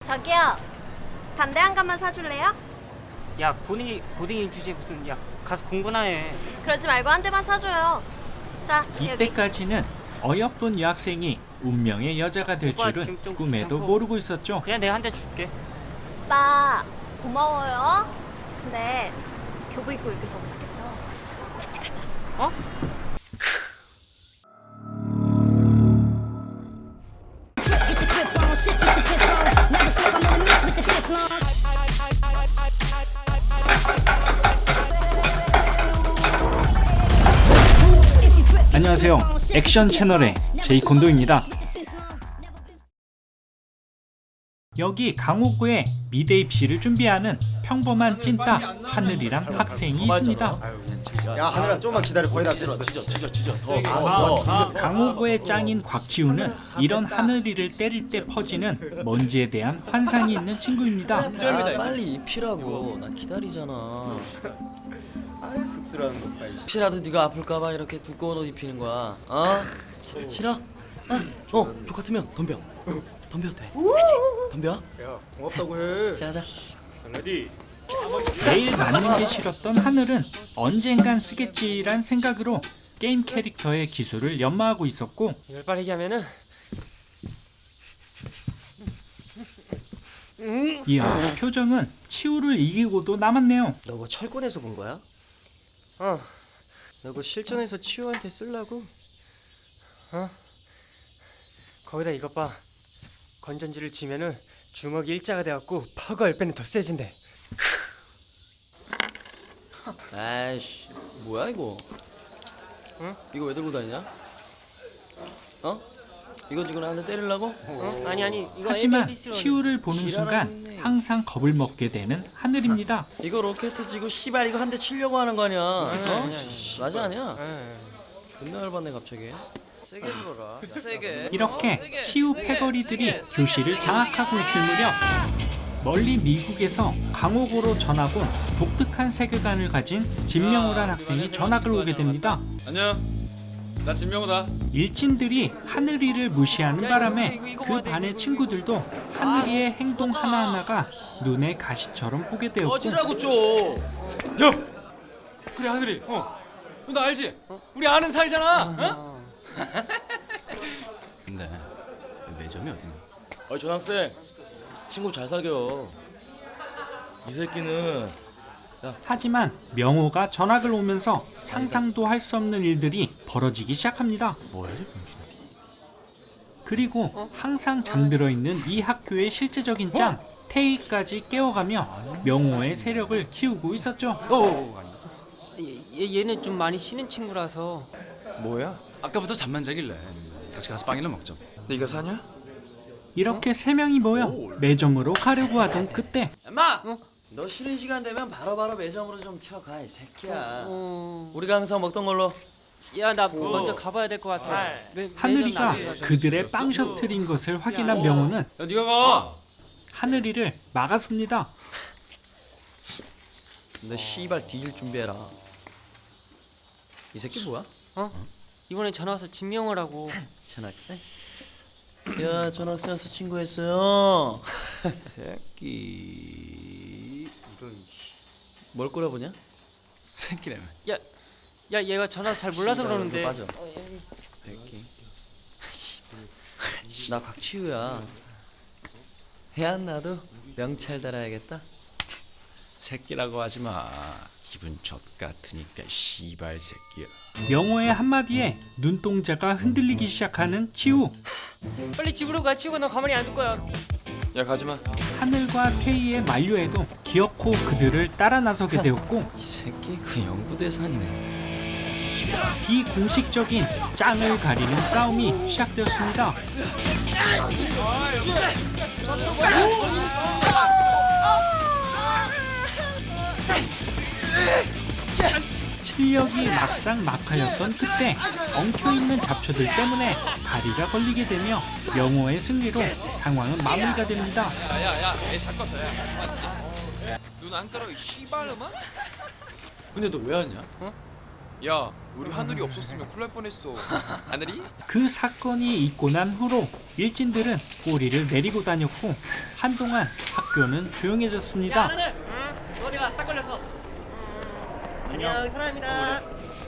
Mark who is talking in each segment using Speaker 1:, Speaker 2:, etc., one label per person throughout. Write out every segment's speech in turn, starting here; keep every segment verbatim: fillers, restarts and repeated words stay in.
Speaker 1: 저기요. 담배 한 갑만 사줄래요?
Speaker 2: 야, 고딩이 고딩이 주제에 무슨 야 가서 공부나 해.
Speaker 1: 그러지 말고 한 대만 사줘요. 자, 여기.
Speaker 3: 이때까지는 어여쁜 여학생이 운명의 여자가 될
Speaker 2: 오빠,
Speaker 3: 줄은
Speaker 2: 지금 좀
Speaker 3: 꿈에도
Speaker 2: 귀찮고.
Speaker 3: 모르고 있었죠.
Speaker 2: 그냥 내가 한 대 줄게.
Speaker 1: 오빠 고마워요. 근데 교복 입고 여기서 어떻게 펴? 같이 가자.
Speaker 2: 어?
Speaker 3: 안녕하세요. 액션 채널의 제이콘도입니다. 여기 강호구에 미대 입시를 준비하는 평범한 찐따 하늘이란 학생이 있습니다.
Speaker 4: 야 하늘아 좀만 기다려 거의 다 됐어. 지져 지져 지져 더.
Speaker 3: 강호구의 짱인 곽지우는 이런 하늘이를 때릴 때 퍼지는 먼지에 대한 환상이 있는 친구입니다.
Speaker 5: 아, 빨리 입히라고. 나 기다리잖아.
Speaker 4: 아 쑥스러운 것 봐.
Speaker 5: 혹시라도 네가 아플까봐 이렇게 두꺼운 옷 입히는 거야. 어? 싫어? 어? 어? 족같으면 덤벼. 덤벼도 돼. 알지? 덤벼.
Speaker 4: 야 고맙다고 해.
Speaker 5: 자자.
Speaker 3: 매일 맞는 게 싫었던 하늘은 언젠간 쓰겠지란 생각으로 게임 캐릭터의 기술을 연마하고 있었고,
Speaker 2: 이걸 빠르게 하면은
Speaker 3: 이야, 표정은 치우를 이기고도 남았네요.
Speaker 4: 너 뭐 철권에서 본 거야?
Speaker 2: 어.
Speaker 4: 너 그 실전에서 치우한테 쓰려고?
Speaker 2: 어? 거기다 이것 봐. 건전지를 쥐면은 주먹이 일자가 돼갖고 파워가 십 배는 더 세진대.
Speaker 5: 아이씨, 뭐야 이거?
Speaker 2: 응?
Speaker 5: 이거 왜 들고 다니냐? 어? 이거 지금 나한테 때리려고?
Speaker 2: 어? 아니 아니 이거
Speaker 3: 하지만
Speaker 2: 에이비에스로
Speaker 3: 치우를 보는 순간 항상 겁을 먹게 되는 하늘입니다.
Speaker 5: 이거 로켓 지고 씨발 이거 한 대 치려고 하는 거 아니야? 어?
Speaker 2: 아니, 아니, 아니.
Speaker 5: 맞아 아니야?
Speaker 2: 예.
Speaker 5: 존나 열받네 갑자기. 세게 불어라. 세게.
Speaker 3: 이렇게 치우 패거리들이 교실을 장악하고 있을 무렵, 멀리 미국에서 강호고로 전학 온 독특한 세계관을 가진 진명호란 학생이 전학을 오게 됩니다.
Speaker 6: 안녕. 나 진명호다.
Speaker 3: 일진들이 하늘이를 무시하는 바람에 그 반의 친구들도 하늘이의 행동 하나하나가 눈에 가시처럼 보게 되었고,
Speaker 6: 어지라고 좀. 야. 그래 하늘이. 어. 너 나 알지? 우리 아는 사이잖아. 어?
Speaker 7: 근데 매점이 어디냐?
Speaker 5: 어이 전학생 친구 잘 사겨. 이 새끼는
Speaker 3: 하지만 명호가 전학을 오면서 상상도 할 수 없는 일들이 벌어지기 시작합니다.
Speaker 7: 뭐야 이 병신.
Speaker 3: 그리고 항상 잠들어 있는 이 학교의 실제적인 짱 태희까지 깨워가며 명호의 세력을 키우고 있었죠.
Speaker 2: 얘, 얘는 좀 많이 쉬는 친구라서.
Speaker 6: 뭐야?
Speaker 7: 아까부터 잠만 자길래 같이 가서 빵이나 먹자.
Speaker 6: 네가 사냐?
Speaker 3: 이렇게 세 명이 모여 매점으로 가려고 하던 그때,
Speaker 5: 엄마.
Speaker 2: 어?
Speaker 5: 너 쉬는 시간 되면 바로바로 매점으로 좀 튀어가 이 새끼야.
Speaker 2: 어.
Speaker 5: 우리가 항상 먹던 걸로.
Speaker 2: 야, 나 먼저 가봐야 될 것 같아. 매-
Speaker 3: 하늘이가
Speaker 2: 매점 나가자.
Speaker 3: 그들의 빵 셔틀인 것을 확인한 명호는
Speaker 6: 야 네가 가.
Speaker 3: 하늘이를 막아섭니다.
Speaker 5: 너 씨발 뒤질 준비해라. 이 새끼 뭐야?
Speaker 2: 어? 이번에 전화 와서 진명호라고.
Speaker 5: 전학생? 야 전학생 와서 친구했어요. 새끼. 뭘 꼬라보냐?
Speaker 7: 새끼라며.
Speaker 2: 야, 야 얘가 전화 잘 몰라서
Speaker 5: 씨발,
Speaker 2: 그러는데.
Speaker 5: 너 빠져. 새끼. 나 곽치우야. 해 안 나도 명찰 달아야겠다.
Speaker 7: 새끼라고 하지 마. 기분 젖 같으니까 씨발 새끼야.
Speaker 3: 명호의 한마디에 눈동자가 흔들리기 시작하는 치우.
Speaker 2: 빨리 집으로 가. 치우고 너 가만히 안 둘 거야.
Speaker 6: 야 가지 마.
Speaker 3: 하늘과 태희의 만류에도 기어코 그들을 따라 나서게 되었고,
Speaker 5: 이 새끼 그 연구대상이네.
Speaker 3: 비공식적인 짱을 가리는 싸움이 시작되었습니다. 실력이 막상 막하였던 그때 엉켜있는 잡초들 때문에 다리가 걸리게 되며 명호의 승리로 상황은 마무리가 됩니다.
Speaker 6: 야야야, 애잘 껐어. 야. 눈 안 깔아 이 씨발놈아? 근데 너 왜 왔냐?
Speaker 2: 어?
Speaker 8: 야, 우리 하늘이 없었으면 큰일 날 뻔했어. 하늘이?
Speaker 3: 그 사건이 있고 난 후로 일진들은 꼬리를 내리고 다녔고 한동안 학교는 조용해졌습니다.
Speaker 4: 너 어디가 딱 걸렸어. 안녕 사랑합니다.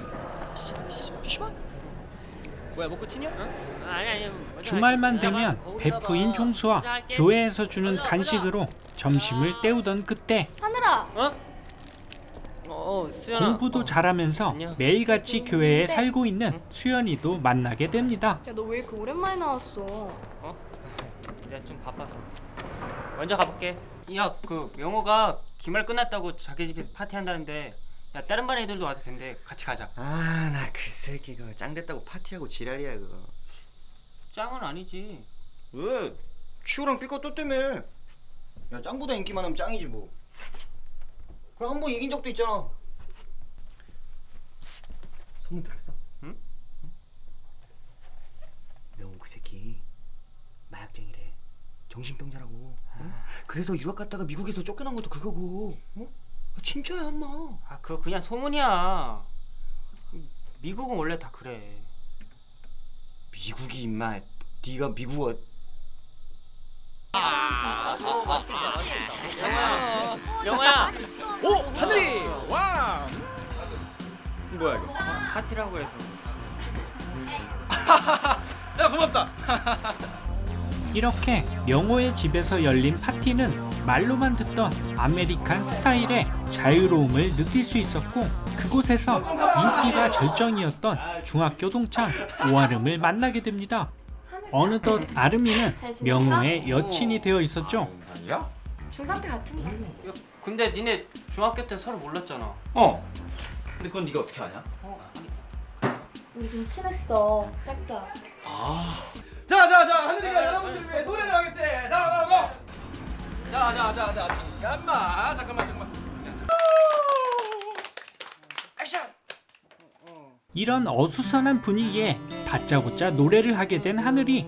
Speaker 4: 피시방? 뭐야 먹고 튀냐?
Speaker 3: 주말만 되면 베프인 종수와 교회에서 주는 간식으로 점심을 때우던 그때
Speaker 1: 하늘아.
Speaker 2: 어, 수연아.
Speaker 3: 공부도 잘하면서
Speaker 2: 안녕.
Speaker 3: 매일같이 교회에 살고 있는 수연이도 만나게 됩니다.
Speaker 1: 야, 너 왜 이렇게 오랜만에 나왔어?
Speaker 2: 어? 내가 좀 바빠서. 먼저 가볼게. 야, 그 명호가 기말 끝났다고 자기 집에서 파티한다는데, 야 다른 반 애들도 와도 된대. 같이 가자.
Speaker 4: 아 나 그 새끼 그거 짱 됐다고 파티하고 지랄이야 그거.
Speaker 2: 짱은 아니지.
Speaker 4: 왜? 치우랑 삐까 또 때문에. 야 짱보다 인기 많으면 짱이지 뭐. 그럼 한 번 이긴 적도 있잖아. 소문 들었어?
Speaker 2: 응?
Speaker 4: 명호 그 새끼 마약쟁이래. 정신병자라고. 어? 그래서 유학 갔다가 미국에서 쫓겨난 것도 그거고. 어? 아, 진짜야 엄마.
Speaker 2: 아 그거 그냥 소문이야. 미국은 원래 다 그래.
Speaker 4: 미국이 임마. 네가 미국어.
Speaker 2: 영호야.
Speaker 8: 오, 하늘이! 와! 뭐야 이거?
Speaker 2: 파티라고 해서.
Speaker 8: 야, 고맙다.
Speaker 3: 이렇게 명호의 집에서 열린 파티는 말로만 듣던 아메리칸 스타일의 자유로움을 느낄 수 있었고 그곳에서 인기가 절정이었던 중학교 동창 오아름을 만나게 됩니다. 어느덧 아름이는 명호의 여친이 되어 있었죠.
Speaker 4: 아니야?
Speaker 1: 중삼 때 같은데.
Speaker 2: 야, 근데 니네 중학교 때 서로 몰랐잖아.
Speaker 4: 어. 근데 그건 네가 어떻게 아냐?
Speaker 1: 우리 좀 친했어. 짝다.
Speaker 8: 자, 자, 자, 하늘이가 여러분들 위해 노래를 하겠대. 나, 나, 나. 자, 자, 자, 자, 잠깐만, 잠깐만, 잠깐만. 액션.
Speaker 3: 이런 어수선한 분위기에 다짜고짜 노래를 하게 된 하늘이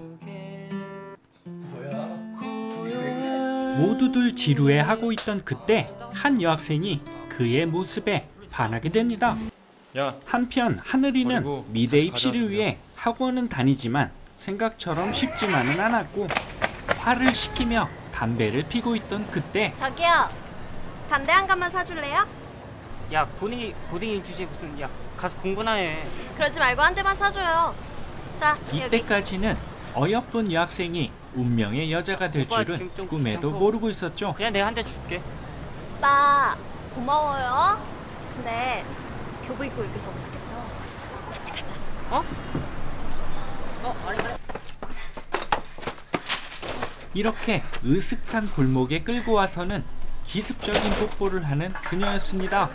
Speaker 3: 모두들 지루해하고 있던 그때 한 여학생이 그의 모습에 반하게 됩니다.
Speaker 6: 야,
Speaker 3: 한편 하늘이는
Speaker 6: 버리고
Speaker 3: 미대
Speaker 6: 다시
Speaker 3: 입시를
Speaker 6: 가져왔습니다.
Speaker 3: 위해 학원은 다니지만 생각처럼 쉽지만은 않았고 화를 시키며 담배를 피고 있던 그때
Speaker 1: 저기요. 담배 한 갑만 사줄래요?
Speaker 2: 야 고딩이 고딩이 주제 무슨 야 가서 공부나 해.
Speaker 1: 그러지 말고 한 대만 사줘요. 자, 여기.
Speaker 3: 이때까지는 어여쁜 여학생이 운명의 여자가 될
Speaker 2: 오빠
Speaker 3: 줄은
Speaker 2: 지금 좀
Speaker 3: 꿈에도
Speaker 2: 귀찮고.
Speaker 3: 모르고 있었죠.
Speaker 2: 그냥 내가 한 대 줄게.
Speaker 1: 오빠 고마워요. 근데 교복 입고 여기서 어떻게 펴? 같이 가자.
Speaker 2: 어? 어 아니 아니.
Speaker 3: 이렇게 으슥한 골목에 끌고 와서는 기습적인 뽀뽀를 하는 그녀였습니다.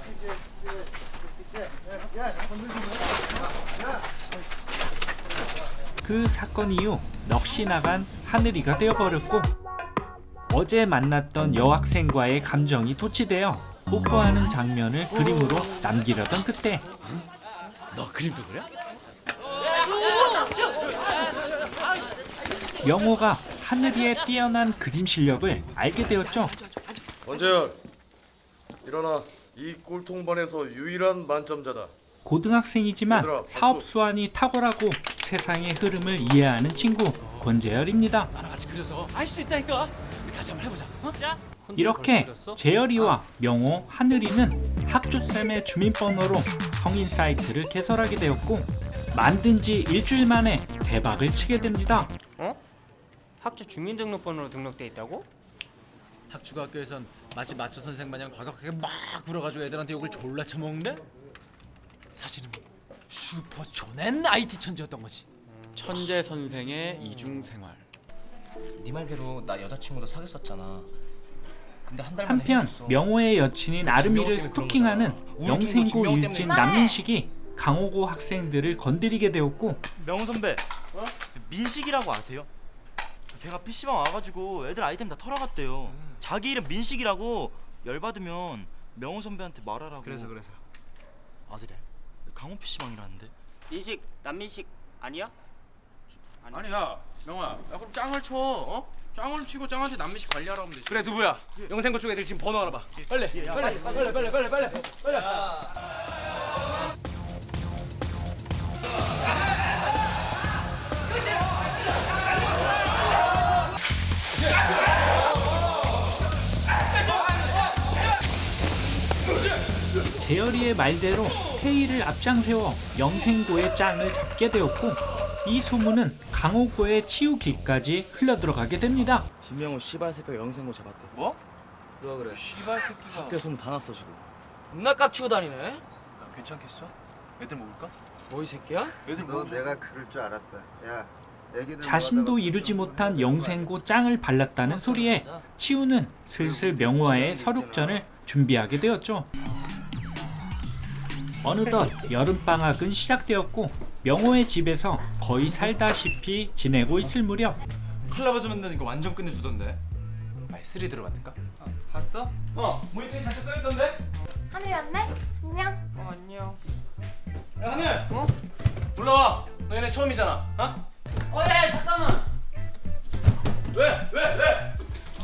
Speaker 3: 그 사건 이후 넋이 나간 하늘이가 되어버렸고 어제 만났던 여학생과의 감정이 도취되어 뽀뽀하는 장면을 그림으로 남기려던 그때
Speaker 7: 너 그림도 그래?
Speaker 3: 명호가 하늘이의 뛰어난 그림 실력을 알게 되었죠.
Speaker 9: 원재열 일어나. 이 꼴통반에서 유일한 만점자다.
Speaker 3: 고등학생이지만
Speaker 9: 얘들아, 박수.
Speaker 3: 사업 수완이 탁월하고 세상의 흐름을 이해하는 친구 권재열입니다.
Speaker 7: 나랑 같이 그려서 알 수 있다니까. 우리 같이 한번 해보자. 어?
Speaker 2: 진짜?
Speaker 3: 이렇게 재열이와 명호, 하늘이는 학주쌤의 주민번호로 성인 사이트를 개설하게 되었고 만든 지 일주일 만에 대박을 치게 됩니다.
Speaker 2: 어? 학주 주민등록번호로 등록돼 있다고?
Speaker 7: 학주가 학교에선 마치 마초 선생 마냥 과격하게 막 굴어가지고 애들한테 욕을 졸라 쳐먹는데 사실은 슈퍼 초낸 아이티 천재였던 거지. 천재 선생의 이중 생활.
Speaker 5: 네 말대로 나 여자친구도 사귀었었잖아. 근데 한 달 만에
Speaker 3: 한편
Speaker 5: 헤어졌어.
Speaker 3: 명호의 여친인 아름이를
Speaker 5: 때문에 그런
Speaker 3: 스토킹하는
Speaker 5: 거잖아. 우울증도
Speaker 3: 영생고
Speaker 5: 증명 때문에.
Speaker 3: 일진 남민식이 강호고 학생들을 건드리게 되었고
Speaker 10: 명훈 선배, 민식이라고 아세요? 걔가 피시방 와가지고 애들 아이템 다 털어갔대요. 자기 이름 민식이라고. 열받으면 명훈 선배한테 말하라고. 그래서 그래서. 아 그래? 강호 피시방이라는데?
Speaker 2: 민식 남민식 아니야?
Speaker 8: 아니야, 명아. 야, 그럼 짱을 쳐. 어? 짱을 치고 짱한테 남미식 관리하라고 하면 되지. 그래, 두부야. 영생고 쪽 애들 지금 번호 알아봐. 빨리. 빨리. 빨리. 빨리. 빨리. 빨리. 빨리. 빨리.
Speaker 3: 재열이의 말대로 태희를 앞장세워 영생고의 짱을 잡게 되었고 이 소문은 강호고의 치우기까지 흘러들어가게 됩니다.
Speaker 10: 진명호 씨발 새끼가 영생고 잡았대.
Speaker 5: 뭐? 누가 그래?
Speaker 7: 씨발 새끼가.
Speaker 10: 학교 소문 다 났어 지금.
Speaker 5: 겁나 깝치고 다니네.
Speaker 7: 괜찮겠어? 애들 먹을까?
Speaker 5: 뭐 이 새끼야?
Speaker 7: 애들
Speaker 11: 너 내가 그럴 줄 알았다. 야, 애기들
Speaker 3: 자신도
Speaker 11: 뭐
Speaker 3: 이루지 못한 영생고 짱을 발랐다는 소리에 치우는 슬슬 명호와의 서륙전을 준비하게 되었죠. 어느덧 여름방학은 시작되었고 명호의 집에서 거의 살다시피 지내고 있을 무렵
Speaker 6: 콜라보즈 만드는 거 완전 끝내주던데.
Speaker 7: 말 쓰리 들어봤는가?
Speaker 2: 봤어?
Speaker 6: 어, 모니터에 잠깐 떠있던데?
Speaker 1: 하늘이 왔네? 안녕.
Speaker 2: 어 안녕.
Speaker 6: 야, 하늘! 어? 올라와! 너 얘네 처음이잖아, 어?
Speaker 2: 어야 잠깐만.
Speaker 6: 왜? 왜? 왜?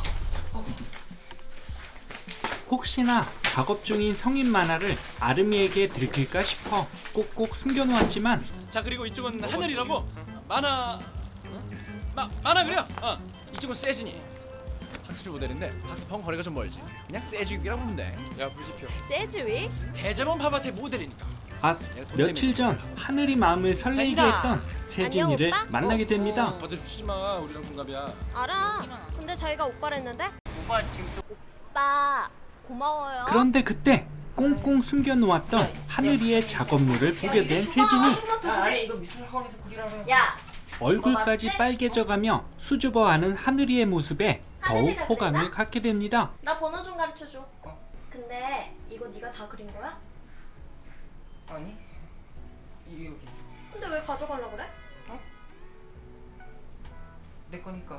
Speaker 3: 혹시나 작업 중인 성인 만화를 아름이에게 들킬까 싶어 꼭꼭 숨겨놓았지만
Speaker 6: 자, 그리고 이쪽은 하늘이라고 만화... 마, 만화 그려! 어, 이쪽은 세진이. 학습지 모델인데 학습하고 거리가 좀 멀지. 그냥 세주기라고 보면 돼. 야, 불지표.
Speaker 1: 세주위?
Speaker 6: 대자본 파바테 모델이니까.
Speaker 3: 아 며칠 전 하늘이 마음을 설레게 했던 세진이를
Speaker 1: 안녕, 오빠?
Speaker 3: 만나게 됩니다.
Speaker 6: 오빠들 주지 마. 우리랑 동갑이야.
Speaker 1: 알아. 근데 자기가 오빠를 했는데?
Speaker 2: 오빠 지금 좀
Speaker 1: 오빠 고마워요.
Speaker 3: 그런데 그때 꽁꽁 숨겨놓았던 하늘이의 작업물을 보게 된 세진이
Speaker 2: 야, 아니 이거 미술학원에서 그리라면.
Speaker 1: 야,
Speaker 3: 얼굴까지 빨개져가며 수줍어하는 하늘이의 모습에 더욱 호감을 갖게 됩니다.
Speaker 1: 나 번호 좀 가르쳐줘. 근데 이거 네가 다 그린 거야?
Speaker 2: 아니 이 여기
Speaker 1: 근데 왜 가져가려고 그래?
Speaker 2: 내 거니까.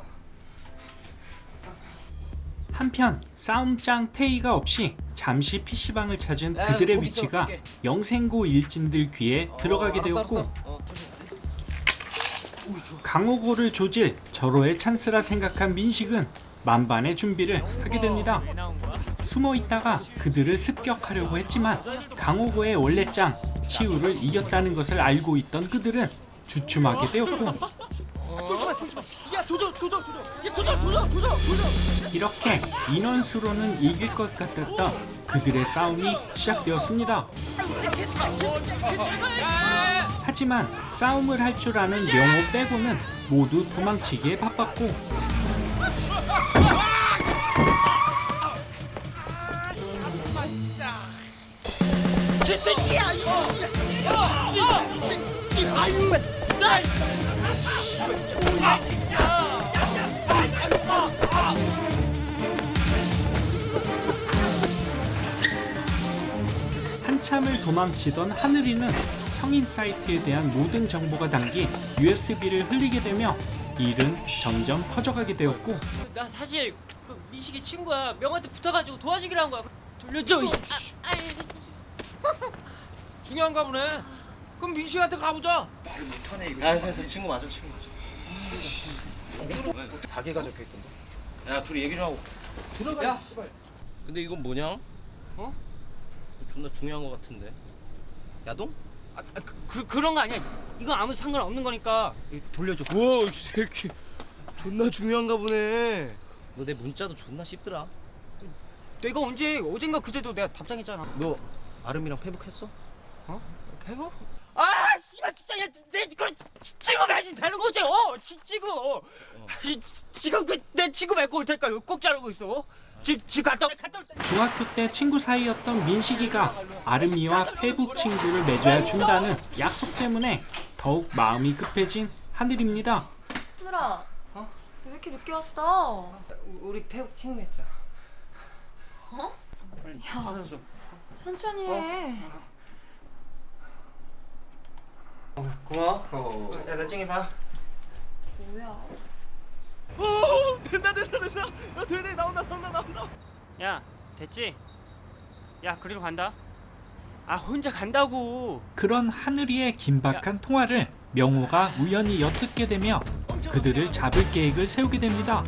Speaker 3: 한편 싸움짱 태희가 없이 잠시 피시방을 찾은
Speaker 5: 야,
Speaker 3: 그들의
Speaker 5: 거기 있어,
Speaker 3: 위치가
Speaker 5: 갈게.
Speaker 3: 영생고 일진들 귀에 들어가게
Speaker 5: 알았어,
Speaker 3: 되었고
Speaker 5: 알았어. 어,
Speaker 3: 강호고를 조질 절호의 찬스라 생각한 민식은 만반의 준비를 하게 됩니다.
Speaker 2: 왜 나온 거야?
Speaker 3: 숨어 있다가 그들을 습격하려고 했지만 강호고의 원래 짱 치우를 이겼다는 것을 알고 있던 그들은 주춤하게 되었고
Speaker 4: 쫄지마 쫄지마. 야 조져 조져 조져. 야 조져 조져 조져 조져.
Speaker 3: 이렇게 인원수로는 이길 것 같았던 그들의 싸움이 시작되었습니다. 하지만 싸움을 할 줄 아는 명호 빼고는 모두 도망치기에 바빴고 한참을 도망치던 하늘이는 성인 사이트에 대한 모든 정보가 담긴 유에스비를 흘리게 되며 일은 점점 커져가게 되었고
Speaker 2: 나 사실 그 민식이 친구야. 명한테 붙어가지고 도와주기로 한 거야. 돌려줘. 이
Speaker 6: 중요한가 보네. 그럼 민식한테 가보자.
Speaker 5: 야, 됐어. 친구 맞아, 친구 맞아.
Speaker 7: 가게가 적혀 있던데.
Speaker 5: 야, 둘이 얘기 좀 하고.
Speaker 6: 야,
Speaker 5: 근데 이건 뭐냐?
Speaker 2: 어?
Speaker 5: 존나 중요한 거 같은데. 야동?
Speaker 2: 아, 그, 그 그런 거 아니야. 이건 아무 상관없는 거니까 이거 돌려줘.
Speaker 10: 우와 이 새끼 존나 중요한가 보네.
Speaker 5: 너 내 문자도 존나 씹더라.
Speaker 2: 내가 언제 어젠가 그제도 내가 답장했잖아.
Speaker 5: 너 아름이랑 페북했어?
Speaker 2: 해보? 아, 씨발 진짜 야, 내 그걸 친구 말지 되는 거지. 어, 지, 친구. 어. 지, 지금 그내 친구 맺고 올 테니까 꼭 자르고 있어. 집, 집 갔다 올- 갔다 올 때.
Speaker 3: 중학교 때 친구 사이였던 민식이가 아름이와 페북 친구를 맺어야 준다는 약속 때문에 더욱 마음이 급해진 하늘입니다.
Speaker 1: 하늘아.
Speaker 2: 어?
Speaker 1: 왜 이렇게 늦게 왔어?
Speaker 2: 우리 배우 친구 맺자.
Speaker 1: 어?
Speaker 2: 빨리
Speaker 1: 야.
Speaker 2: 찾아서 좀.
Speaker 1: 천천히 해.
Speaker 2: 고마워. 어. 야, 나중에 봐.
Speaker 1: 뭐야?
Speaker 10: 오 된다 된다 된다. 야 되네 나온다 나온다 나온다.
Speaker 2: 야, 됐지? 야, 그리로 간다. 아, 혼자 간다고.
Speaker 3: 그런 하늘이의 긴박한 통화를 명호가 우연히 엿듣게 되며 그들을 잡을 계획을 세우게 됩니다.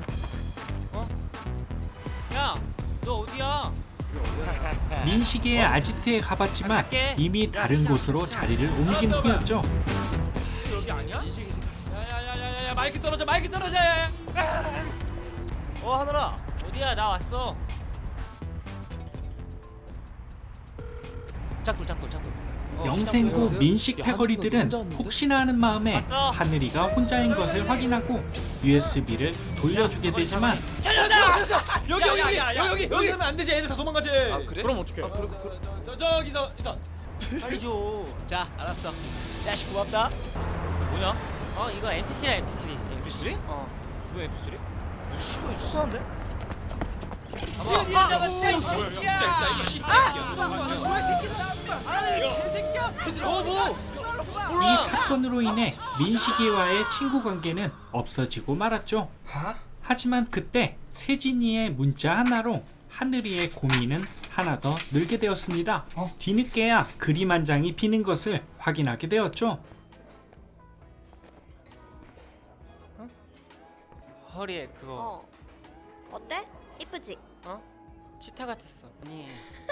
Speaker 2: 야, 너 어디야?
Speaker 3: 민식이의 아지트에 가봤지만 이미 다른 곳으로 자리를 옮긴 후였죠.
Speaker 6: 여기 아니야? 야야야야야 마이크 떨어져 마이크 떨어져.
Speaker 10: 어 하늘아.
Speaker 2: 어디야? 나 왔어.
Speaker 6: 짝돌 짝돌 짝돌. 어,
Speaker 3: 영생고
Speaker 6: 짝돌.
Speaker 3: 민식
Speaker 6: 야,
Speaker 3: 패거리들은
Speaker 6: 혼자 왔는데?
Speaker 3: 혹시나 하는 마음에
Speaker 2: 왔어.
Speaker 3: 하늘이가 혼자인 것을 확인하고 유에스비를 돌려주게 되지만
Speaker 6: 찾았다! 여기 여기
Speaker 2: 야,
Speaker 6: 여기
Speaker 2: 야, 야, 야.
Speaker 6: 여기 여기 하면 안 되지. 애들 다 도망가지.
Speaker 2: 아 그래? 그럼 어떡해?
Speaker 6: 아, 그래, 그래. 저 저기서 일단.
Speaker 2: 빨리 줘.
Speaker 6: 자, 알았어. 자식 고맙다.
Speaker 2: 뭐냐? 어 이거 엠피쓰리야 엠피쓰리.
Speaker 6: 엠피쓰리?
Speaker 2: 어.
Speaker 6: 뭐 엠피쓰리? 너 씨발 수사한데?
Speaker 2: 아,
Speaker 3: 이 사건으로 인해 민식이와의 친구 관계는 없어지고 말았죠. 하지만 그때 세진이의 문자 하나로 하늘이의 고민은 하나 더 늘게 되었습니다. 뒤늦게야 그림 한 장이 비는 것을 확인하게 되었죠.
Speaker 2: 허리에 그거
Speaker 1: 어. 어때? 이쁘지?
Speaker 2: 어? 치타 같았어. 아니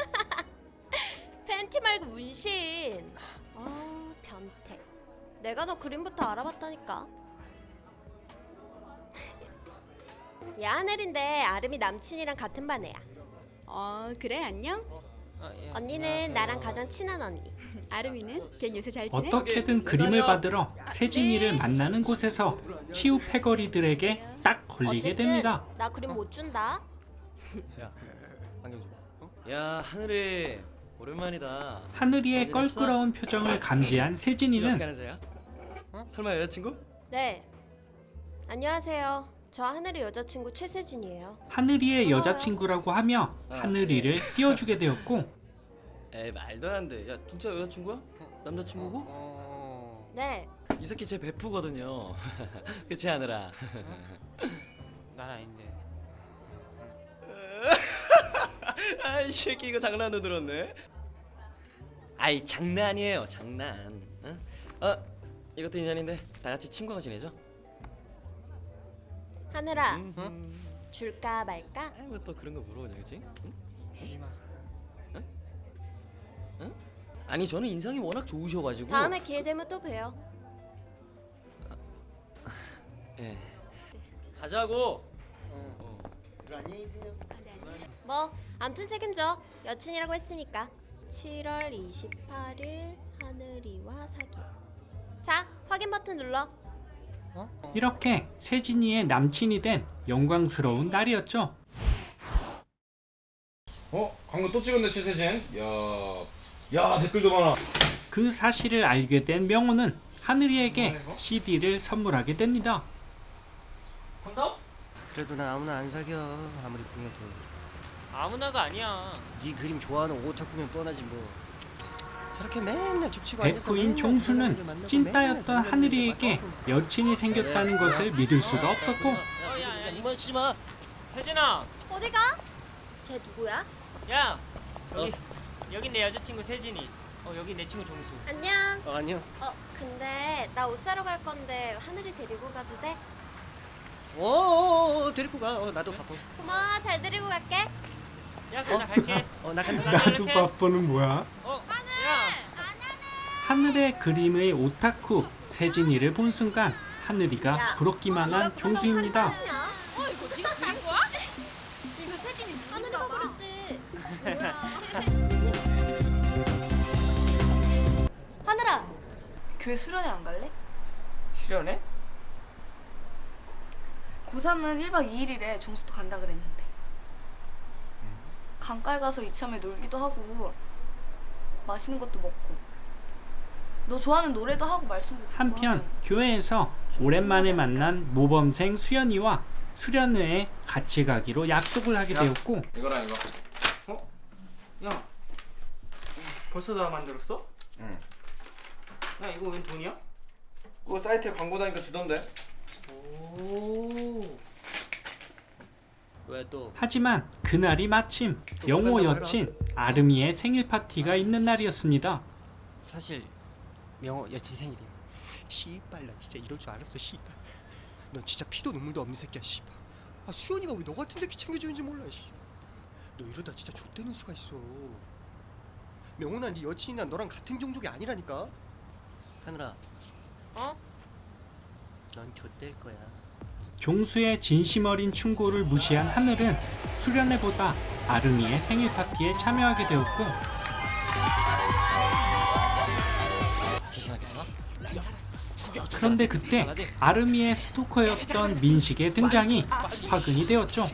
Speaker 1: 팬티 말고 문신. 아 변태. 내가 너 그림부터 알아봤다니까. 야 하늘인데 아름이 남친이랑 같은 반 애야.
Speaker 12: 어 그래 안녕.
Speaker 2: 아, 예,
Speaker 1: 언니는
Speaker 2: 안녕하세요.
Speaker 1: 나랑 가장 친한 언니.
Speaker 12: 아름이는 걔 요새 잘 지내?
Speaker 3: 어떻게든 그림을 받으러 세진이를 만나는 곳에서 치우 패거리들에게 딱 걸리게
Speaker 1: 어쨌든
Speaker 3: 됩니다.
Speaker 1: 나 그림 못 준다.
Speaker 5: 안경 줘. 어? 야 하늘이 오랜만이다.
Speaker 3: 하늘이의
Speaker 5: 어디 갔어?
Speaker 3: 껄끄러운 표정을 감지한
Speaker 5: 어떻게
Speaker 3: 세진이는
Speaker 5: 하는 사이야? 어? 설마 여자친구?
Speaker 1: 네. 안녕하세요. 저 하늘의 여자친구 최세진이에요.
Speaker 3: 하늘이의 여자친구라고 하며 하늘이를 띄워주게 되었고
Speaker 5: 에이 말도 안 돼. 야 진짜 여자친구야? 남자친구고?
Speaker 2: 어.
Speaker 1: 네.
Speaker 5: 이 새끼 제 베프거든요. 그치 하늘아?
Speaker 2: 난 아닌데.
Speaker 5: 아이 새끼 이거 장난으로 들었네. 아이 장난이에요 장난. 어? 어 이것도 인연인데 다 같이 친구가 지내죠?
Speaker 1: 하늘아.
Speaker 5: 음.
Speaker 1: 줄까 말까?
Speaker 5: 뭐 또 그런 거 물어보냐 그치? 응?
Speaker 2: 주지 마.
Speaker 5: 응? 아니 저는 인상이 워낙 좋으셔가지고.
Speaker 1: 다음에 기회 되면 또 봬요.
Speaker 5: 예. 가자고.
Speaker 11: 안녕히 계세요.
Speaker 1: 뭐 암튼 책임져. 여친이라고 했으니까. 칠월 이십팔일 하늘이와 사귀. 자 확인 버튼 눌러.
Speaker 3: 이렇게 세진이의 남친이 된 영광스러운 날이었죠.
Speaker 8: 어? 광고 또 찍었네 최세진. 야, 야 댓글도 많아.
Speaker 3: 그 사실을 알게 된 명호는 하늘이에게 씨디를 선물하게 됩니다.
Speaker 2: 콘돔?
Speaker 4: 그래도 나 아무나 안 사겨. 아무리 궁해도.
Speaker 2: 아무나가 아니야.
Speaker 4: 네 그림 좋아하는 오타쿠면 뻔하지 뭐. 저렇게 맨날 죽치고 앉아서
Speaker 3: 베프인
Speaker 4: 맨날
Speaker 3: 종수는
Speaker 4: 사람들 만나고
Speaker 3: 찐따였던
Speaker 4: 맨날
Speaker 3: 하늘이에게
Speaker 4: 사람들
Speaker 3: 여친이 생겼다는 것을 믿을 수가 없었고
Speaker 2: 어, 야, 야,
Speaker 4: 이만 씨 마.
Speaker 2: 세진아.
Speaker 1: 어디가? 쟤 누구야?
Speaker 2: 야 여기 여기 내 여자친구 세진이. 어 여기 내 친구 종수.
Speaker 1: 안녕.
Speaker 5: 어, 안녕.
Speaker 1: 어 근데 나 옷 사러 갈 건데 하늘이 데리고 가도 돼?
Speaker 4: 어, 데리고 가. 어, 나도 바빠.
Speaker 1: 고마워. 잘 데리고 갈게.
Speaker 2: 야 그럼 나 갈게.
Speaker 4: 어, 나 간다.
Speaker 2: 나도
Speaker 3: 바빠는 뭐야?
Speaker 2: 어 야.
Speaker 3: 하늘의 그림의 오타쿠 세진이를 본 순간 하늘이가
Speaker 1: 야,
Speaker 3: 부럽기만 한 종수입니다.
Speaker 1: 어 이거 네가 그린 거야? 이거 세진이 하늘이가 그렸지.
Speaker 12: 하늘아 교회 수련회 안 갈래?
Speaker 2: 수련해?
Speaker 12: 고삼은 일박 이일이래. 종수도 간다 그랬는데. 강가에 가서 이참에 놀기도 하고 맛있는 것도 먹고 너 좋아하는 노래도 하고 말씀도 듣고
Speaker 3: 한편
Speaker 12: 하면
Speaker 3: 교회에서 오랜만에 만난 모범생 수연이와 수련회에 같이 가기로 약속을 하게 되었고
Speaker 8: 이거랑 이거.
Speaker 2: 어? 야 벌써 다 만들었어?
Speaker 8: 응.
Speaker 2: 야 이거 웬 돈이야?
Speaker 8: 그거 사이트에 광고 다니까 주던데.
Speaker 2: 오.
Speaker 5: 왜 또?
Speaker 3: 하지만 그날이 마침 영호 여친 아름이의 생일 파티가 있는 날이었습니다.
Speaker 2: 사실 명호 여친 생일이야.
Speaker 4: 씨발 나 진짜 이럴 줄 알았어. 씨발. 넌 진짜 피도 눈물도 없는 새끼야. 씨발. 아 수연이가 왜 너 같은 새끼 챙겨주는지 몰라. 씨. 너 이러다 진짜 좆되는 수가 있어. 명훈아 네 여친이나 너랑 같은 종족이 아니라니까.
Speaker 5: 하늘아.
Speaker 2: 어?
Speaker 5: 넌 좆될 거야.
Speaker 3: 종수의 진심 어린 충고를 무시한 하늘은 수련회보다 아름이의 생일 파티에 참여하게 되었고
Speaker 5: 괜찮아 괜찮아?
Speaker 3: 그런데 그때 아름이의 스토커였던 민식의 등장이 화근이 되었죠.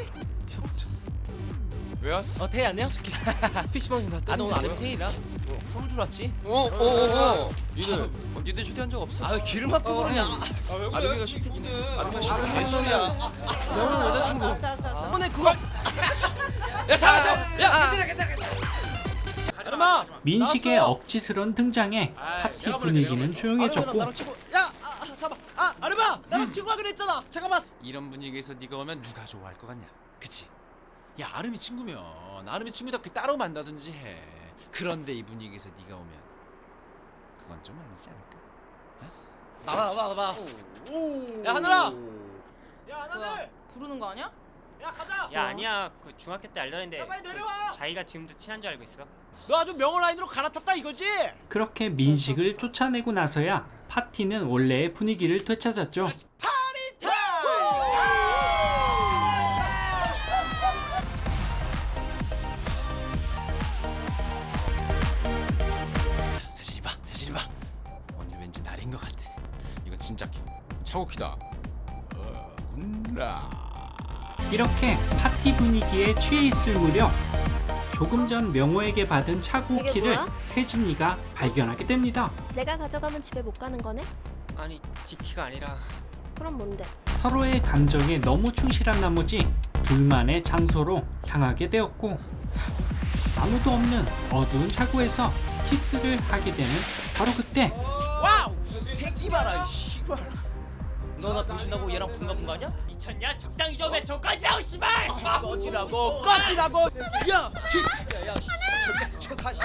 Speaker 6: 왜 왔어?
Speaker 5: 어, 태희 안녕? 피시방이 나. 아, 너 오늘 아름 생일이라 선물 주러 왔지?
Speaker 6: 어어어 니들 어, 니들 초대한 적 없어?
Speaker 5: 아, 왜 귀를 막고 그러냐?
Speaker 6: 아름이가 싫대기네. 아름이가 싫대. 개소리야.
Speaker 5: 명훈 여자친구. 알았어, 알았어, 알았어. 오늘 그거.
Speaker 6: 야 잠깐만. 야 괜찮아 괜찮아.
Speaker 5: 아름아.
Speaker 3: 민식의 억지스런 등장에 파티 분위기는 조용해졌고
Speaker 5: 나랑 친구. 야, 아, 잠깐만. 아, 아름아, 나랑 친구 하기로 했잖아. 잠깐만.
Speaker 7: 이런 분위기에서 네가 오면 누가 좋아할 것 같냐? 그치? 야 아름이 친구면 아름이 친구답게 따로 만나든지 해. 그런데 이 분위기에서 네가 오면 그건 좀 아니지 않을까?
Speaker 5: 나와, 나와, 나와. 야, 하늘아. 야,
Speaker 12: 뭐야, 부르는 거 아니야?
Speaker 5: 야, 가자.
Speaker 2: 야 아니야 그 중학교 때 알던 앤데
Speaker 5: 야, 빨리 내려와.
Speaker 2: 자기가 지금도 친한 줄 알고 있어.
Speaker 5: 너 아주 명언 라인으로 갈아탔다 이거지?
Speaker 3: 그렇게 민식을 쫓아내고 나서야 파티는 원래의 분위기를 되찾았죠.
Speaker 7: 세진이 봐, 세진이 봐. 오늘 왠지 날인 것 같아. 이거 진짜 키. 차고키다. 어, 혼나.
Speaker 3: 이렇게 파티 분위기에 취해 있을 무렵 조금 전 명호에게 받은 차고
Speaker 1: 이게
Speaker 3: 키를
Speaker 1: 뭐야?
Speaker 3: 세진이가 발견하게 됩니다.
Speaker 1: 내가 가져가면 집에 못 가는 거네?
Speaker 2: 아니 지키가 아니라
Speaker 1: 그럼 뭔데?
Speaker 3: 서로의 감정에 너무 충실한 나머지 둘만의 장소로 향하게 되었고 아무도 없는 어두운 차고에서 키스를 하게 되는 바로 그때
Speaker 5: 와우! 새끼 봐라, 이 씨발. 너 나 배신하고 얘랑 분가분 아니야?
Speaker 2: 미쳤냐? 적당히 좀 해. 저까지라고 씨발.
Speaker 5: 꺼지라고, 꺼지라고. 야, 쥐. 야, 야, 저기 저 다시.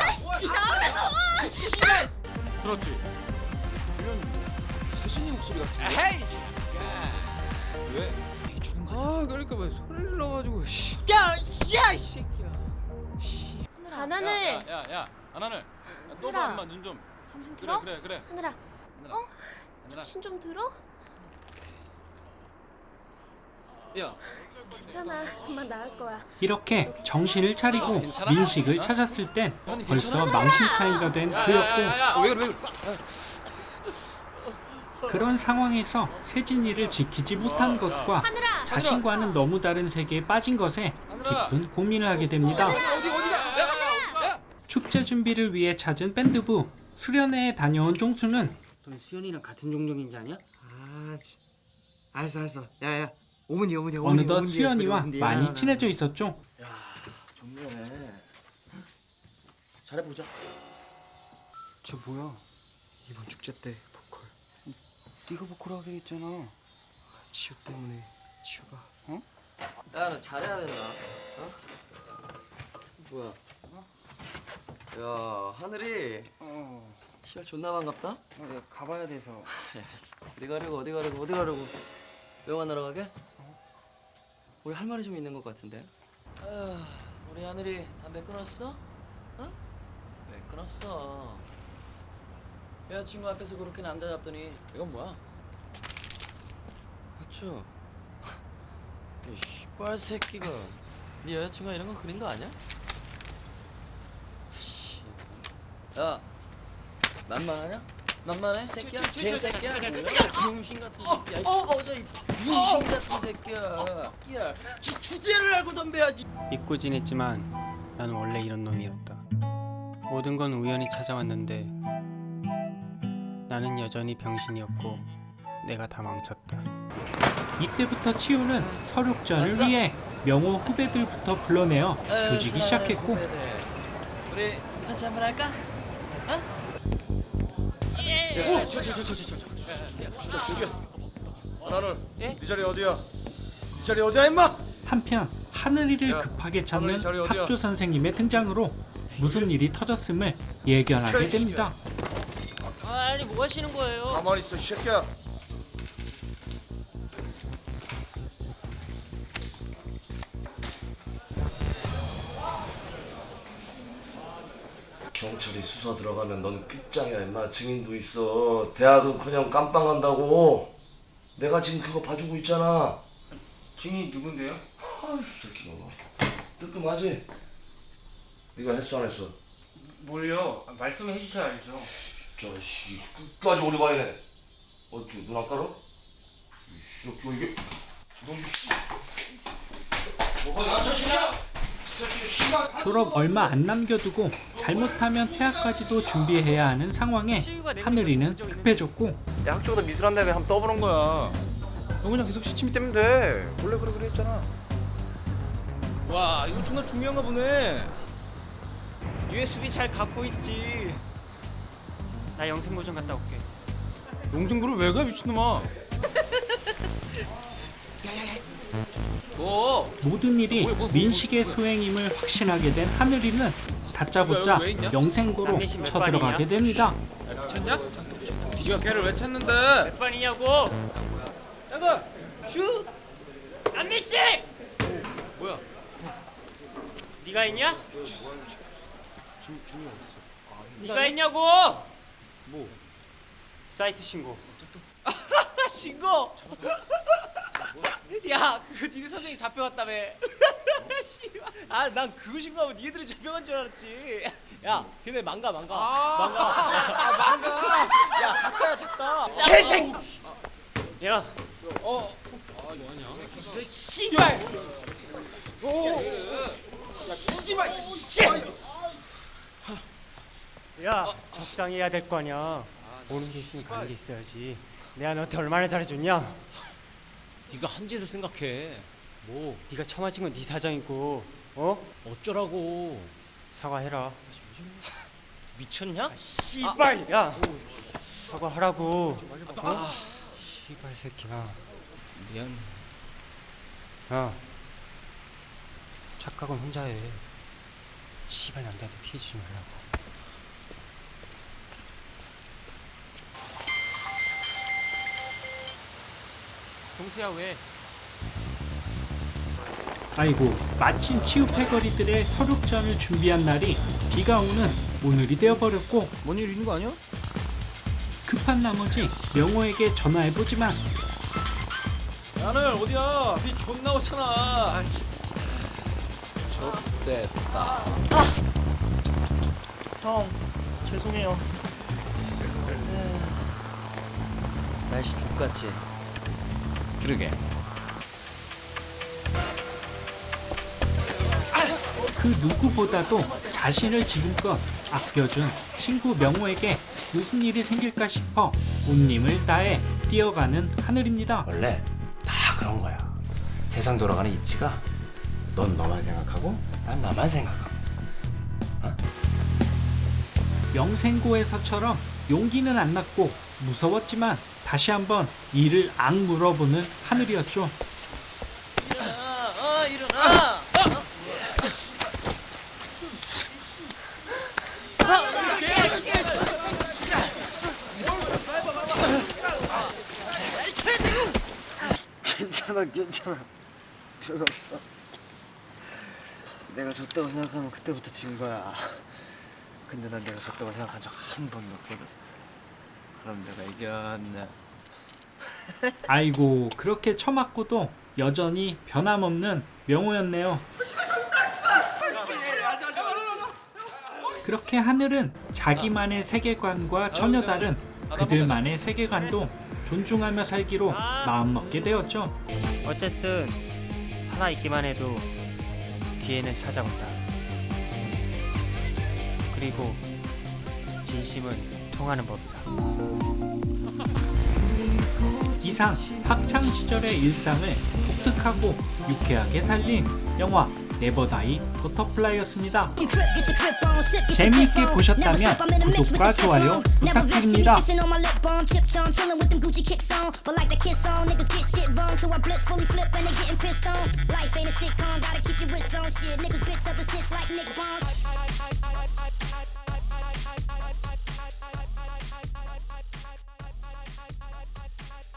Speaker 6: 들었지? 이런 세진이 목소리 같은데?
Speaker 5: 헤이.
Speaker 6: 왜? 아 그러니까 왜 소리를 질러가지고 씨.
Speaker 5: 야, 야, 이 새끼야.
Speaker 1: 하나늘
Speaker 6: 야야야 하나는 너
Speaker 1: 하늘아.
Speaker 6: 봐 엄마 눈 좀.
Speaker 1: 정신
Speaker 6: 그래
Speaker 1: 들어?
Speaker 6: 그래 그래.
Speaker 1: 하늘아
Speaker 6: 하늘아.
Speaker 1: 어?
Speaker 6: 하늘아.
Speaker 1: 정신 좀 들어?
Speaker 6: 야.
Speaker 1: 괜찮아 금방 나을 거야.
Speaker 3: 이렇게 정신을 차리고
Speaker 6: 괜찮아?
Speaker 3: 민식을
Speaker 6: 어?
Speaker 3: 찾았을 땐
Speaker 6: 아니,
Speaker 3: 벌써
Speaker 6: 괜찮아?
Speaker 3: 망신창이가 된 그였고
Speaker 6: 왜 그래 왜 그래?
Speaker 3: 그런 상황에서 세진이를 지키지 못한 것과
Speaker 1: 하늘아
Speaker 3: 자신과는 너무 다른 세계에 빠진 것에 깊은 고민을 하게 됩니다.
Speaker 6: 어디 어디가? 야, 야.
Speaker 3: 축제 준비를 위해 찾은 밴드부 수련회에 다녀온 종수는
Speaker 2: 넌 수연이랑 같은 종족인지 아냐?
Speaker 11: 아, 지- 알았어 알았어. 야야, 오문이 오문이 오문이.
Speaker 3: 어느덧
Speaker 11: 오문이
Speaker 3: 수연이와
Speaker 11: 오문이.
Speaker 3: 많이
Speaker 11: 야, 나,
Speaker 3: 친해져 있었죠.
Speaker 11: 좋네. 잘해보자.
Speaker 2: 저 뭐야?
Speaker 4: 이번 축제 때 보컬
Speaker 2: 네가 보컬 하기로 했잖아.
Speaker 4: 지우 때문에 지우가
Speaker 11: 야, 너 잘해야 된다. 어? 뭐야? 야, 하늘이
Speaker 2: 어.
Speaker 11: 시발 존나 반갑다.
Speaker 2: 어, 내가 가봐야 돼서.
Speaker 11: 어디 가려고 어디 가려고 어디 가려고? 왜 만나러 가게? 우리 할 말이 좀 있는 것 같은데. 아휴, 우리 하늘이 담배 끊었어? 어? 왜 끊었어? 여자친구 앞에서 그렇게 남자 잡더니
Speaker 5: 이건 뭐야?
Speaker 11: 맞죠? 이 씨발 새끼가 네 여자친구가 이런 거 그린 거 아니야? 씨. 야, 만만하냐? 만만해? 새끼야? 개새끼야? 병신 같은 새끼야. 어, 어, 저 병신 같은 새끼야. 야, 지 주제를 알고 덤벼야지.
Speaker 13: 잊고 지냈지만 나는 원래 이런 놈이었다. 모든 건 우연히 찾아왔는데 나는 여전히 병신이었고 내가 다 망쳤다.
Speaker 3: 이때부터 치우는 서륙전을 위해 명호 후배들부터 불러내어 조지기 시작했고
Speaker 11: 우리 한잔 한번 할까? 어?
Speaker 9: 오! 진짜 죽여. 하나는 네 자리 어디야? 네 자리 어디야 임마?
Speaker 3: 한편 하늘이를
Speaker 9: 야,
Speaker 3: 급하게 찾는
Speaker 9: 하늘이 자리 어디야?
Speaker 3: 학조 선생님의 등장으로 무슨 일이 터졌음을 예견하게 됩니다.
Speaker 2: 아니 뭐 하시는 거예요?
Speaker 9: 가만히 있어 이 새끼야. 경찰이 수사 들어가면 넌 끝장이야 임마. 증인도 있어. 대학은커녕 깜빵 간다고. 내가 지금 그거 봐주고 있잖아.
Speaker 2: 증인이 누군데요?
Speaker 9: 아이 새끼 너 뜨끔하지? 네가 했어 안 했어?
Speaker 2: 뭘요? 아, 말씀해 주셔야 알죠.
Speaker 9: 진짜 씨 끝까지 오래 봐야네. 어쭈 눈 안 깔아? 이씨 너 이게 너 이씨 뭐가 나저 씨냐?
Speaker 3: 졸업 얼마 안 남겨두고 잘못하면 퇴학까지도 준비해야 하는 상황에 하늘이는 급해졌고
Speaker 8: 야 학교보다 미술한 다음에 한번 떠보는 거야. 너 그냥 계속 시침이 때면 돼. 원래 그래 그래 했잖아. 와 이거 존나 중요한가 보네. 유에스비 잘 갖고 있지.
Speaker 2: 나 영생고 좀 갔다 올게.
Speaker 8: 농생구를 왜 가 미친놈아. 뭐?
Speaker 3: 모든 일이 민식의 소행임을 확신하게 된 하늘이는 다짜고짜 영생고로 쳐들어가게 됩니다.
Speaker 6: 미쳤냐? 뒤지가 걔를 왜 찾는데?
Speaker 2: 몇 번이냐고?
Speaker 8: 잠깐 슛.
Speaker 2: 안민씨!
Speaker 8: 뭐야?
Speaker 2: 네가 했냐?
Speaker 8: 준 준이 어딨어?
Speaker 2: 네가 했냐고?
Speaker 8: 뭐?
Speaker 2: 사이트 신고.
Speaker 8: 신고. 야, 그 니네 선생님 잡혀갔다며. 아, 난 그거 신고하면 니네들이 잡혀간 줄 알았지. 야, 걔네 망가 망가. 망가. 아, 망가. 야, 작다야 작다.
Speaker 2: 재생. 야,
Speaker 8: 어.
Speaker 2: 씨발.
Speaker 8: 오. 야, 끄지 마.
Speaker 2: 야, 적당히 해야 될 거 아니야. 오는 게 있으면 가는 게 있어야지. 내가 너한테 얼마나 잘해줬냐?
Speaker 6: 네가 한 짓을 생각해. 뭐?
Speaker 2: 네가 처맞은 건 네 사정이고, 어?
Speaker 6: 어쩌라고?
Speaker 2: 사과해라.
Speaker 6: 미쳤냐?
Speaker 2: 씨발, 야, 사과하라고. 어? 씨발 새끼야.
Speaker 6: 미안.
Speaker 2: 야, 착각은 혼자 해. 씨발 남자한테 피해 주지 말라고. 동수야 왜?
Speaker 3: 아이고 마침 치우패거리들의 서륙전을 준비한 날이 비가 오는 오늘이 되어버렸고
Speaker 8: 뭔 일 있는 거 아니야?
Speaker 3: 급한 나머지 명호에게 전화해보지만
Speaker 8: 야늘 어디야? 비 존나 오잖아. 아이씨. 좆됐다.
Speaker 10: 형 죄송해요.
Speaker 11: 날씨 족같지?
Speaker 6: 그러게.
Speaker 3: 그 누구보다도 자신을 지금껏 아껴준 친구 명호에게 무슨 일이 생길까 싶어 온 힘을 다해 뛰어가는 하늘입니다.
Speaker 7: 원래 다 그런 거야. 세상 돌아가는 이치가 넌 너만 생각하고 난 나만 생각하고.
Speaker 3: 영생고에서처럼 용기는 안 났고 무서웠지만 다시 한번 이를 악물어보는 하늘이었죠.
Speaker 11: 일어나, 어 일어나.
Speaker 14: 괜찮아 괜찮아 별거 없어. 내가 졌다고 생각하면 그때부터 진 거야. 근데 난 내가 졌다고 생각한 적 한 번도 없거든. 그럼 내가 이겼네.
Speaker 3: 아이고 그렇게 처맞고도 여전히 변함없는 명호였네요. 그렇게 하늘은 자기만의 세계관과 전혀 다른 그들만의 세계관도 존중하며 살기로 마음먹게 되었죠.
Speaker 2: 어쨌든 살아있기만 해도 기회는 찾아온다. 그리고 진심은 통하는 법이다.
Speaker 3: 이상 학창 시절의 일상을 독특하고 유쾌하게 살린 영화 네버다이 버터플라이였습니다. 재미있게 보셨다면 구독과 좋아요 부탁드립니다.
Speaker 15: Life ain't a sitcom, gotta keep your wits on shit. Niggas bitch up the snitch like Nick Bones.